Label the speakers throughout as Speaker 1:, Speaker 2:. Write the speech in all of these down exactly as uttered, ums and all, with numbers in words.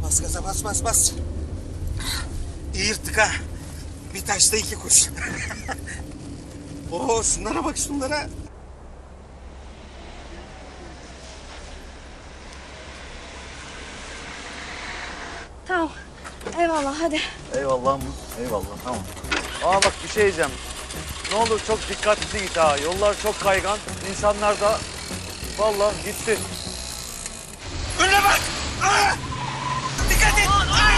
Speaker 1: Bas gaza, bas bas bas. İyi yırttık ha. Bir taşta iki kuş. Oo, şunlara bak, şunlara.
Speaker 2: Tamam. Eyvallah hadi.
Speaker 3: Eyvallah mı? Eyvallah, tamam. Aa bak bir şey diyeceğim. Ne olur çok dikkatli git ha. Yollar çok kaygan. İnsanlar da vallahi gitti.
Speaker 1: Önüne bak! Aa! Dikkat et! Aa!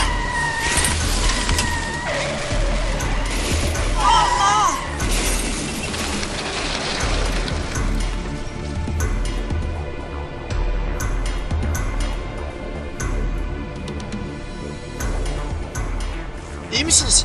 Speaker 1: Allah! İyi misiniz?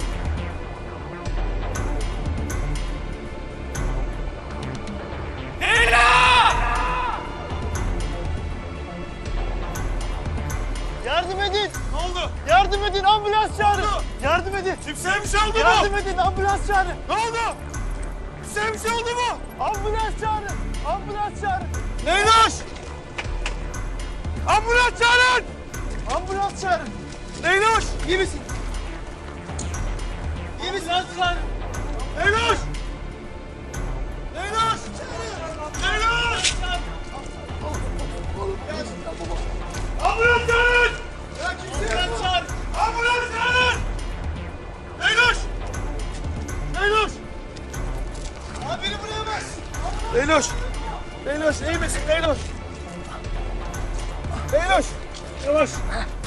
Speaker 3: Yardım edin!
Speaker 1: Ne oldu?
Speaker 3: Yardım edin! Ambulans çağırın! Yardım edin!
Speaker 1: Kimseye bir şey oldu mu?
Speaker 3: Yardım edin! Ambulans çağırın!
Speaker 1: Ne oldu? Kimseye bir şey oldu mu?
Speaker 3: Ambulans çağırın! Ambulans çağırın!
Speaker 1: Leyloş! Ambulans çağırın!
Speaker 3: Ambulans çağırın!
Speaker 1: Leyloş! İyi misin?
Speaker 3: İyi misin? Ambulans çağırın!
Speaker 1: Leyloş! Leyloş! Leyloş! Ambulans çağırın!
Speaker 3: Ambulans çağırın!
Speaker 1: Ambulans çağırın! Leyloş! Leyloş! Abi beni buraya bas! Leyloş! Leyloş iyi misin Leyloş? Leyloş! Yavaş!